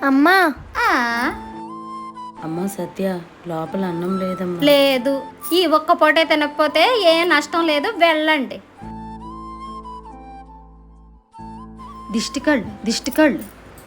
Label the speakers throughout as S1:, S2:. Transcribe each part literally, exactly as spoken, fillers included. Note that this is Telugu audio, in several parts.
S1: అమ్మా
S2: ఆ,
S3: అమ్మ సత్య, లోపల అన్నం లేదమ్మా.
S2: లేదు, ఈ ఒక్క పూటే తినకపోతే ఏ నష్టం లేదు, వెళ్ళండి. దిష్టి కళ్ళు దిష్టి కళ్ళు.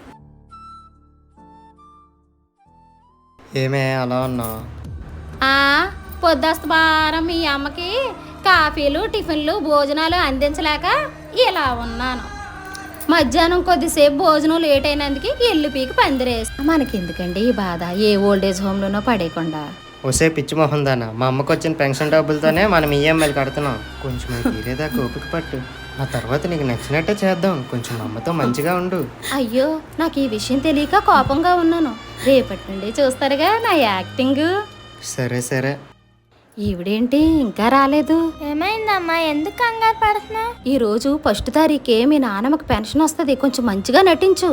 S4: ఏమే అలా ఉన్నావు?
S2: ఆ, పొద్దుస్తమానం మీ అమ్మకి కాఫీలు టిఫిన్లు భోజనాలు అందించలేక ఇలా ఉన్నాను. మధ్యాహ్నం కొద్దిసేపు భోజనం లేట్ అయినందుకు ఇల్లు పీకి పందిరేసి మనకెందుకండి ఈ బాధ, ఏ ఓల్డేజ్ హోమ్లోనో పడేయకుండా.
S4: ఒసే పిచ్చి మొహం దానా, మా అమ్మకు వచ్చిన పెన్షన్ డబ్బులతోనే మనం ఈఎంఐలు కడుతున్నాం. కొంచెం తీరేదాకా ఓపిక పట్టు, ఆ తర్వాత నీకు నచ్చినట్టే చేద్దాం. కొంచెం మా అమ్మతో మంచిగా ఉండు.
S2: అయ్యో, నాకు ఈ విషయం తెలియక కోపంగా ఉన్నాను. రేపటి నుండి చూస్తారుగా నా యాక్టింగ్.
S4: సరే సరే.
S2: ఈవిడేంటి ఇంకా రాలేదు?
S1: ఏమైందమ్మా, ఎందుకు కంగారు పడుతున్నావు?
S2: ఈ రోజు ఫస్ట్ తారీఖే మీ నాన్నమ్మకి పెన్షన్ వస్తుంది, కొంచెం మంచిగా నటించు.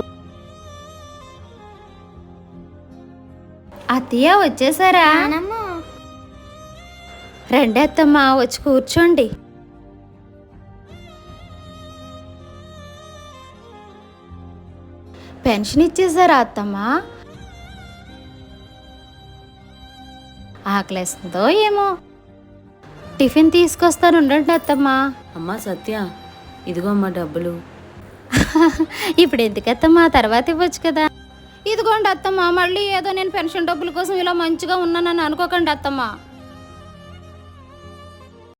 S2: అత్తయ్య వచ్చేసారా? రండి అత్తమ్మా, వచ్చి కూర్చోండి. పెన్షన్ ఇచ్చేసారా అత్తమ్మా? ఆకలేస్తుందో ఏమో, టిఫిన్ తీసుకొస్తాను ఉండండి అత్తమ్మా.
S3: అమ్మా సత్య, ఇదిగో అమ్మా డబ్బులు.
S2: ఇప్పుడు ఎందుకత్తమ్మా, తర్వాత ఇవ్వచ్చు కదా. ఇదిగోండి అత్తమ్మా, మళ్ళీ ఏదో నేను పెన్షన్ డబ్బుల కోసం ఇలా మంచిగా ఉన్నానని అనుకోకండి అత్తమ్మా.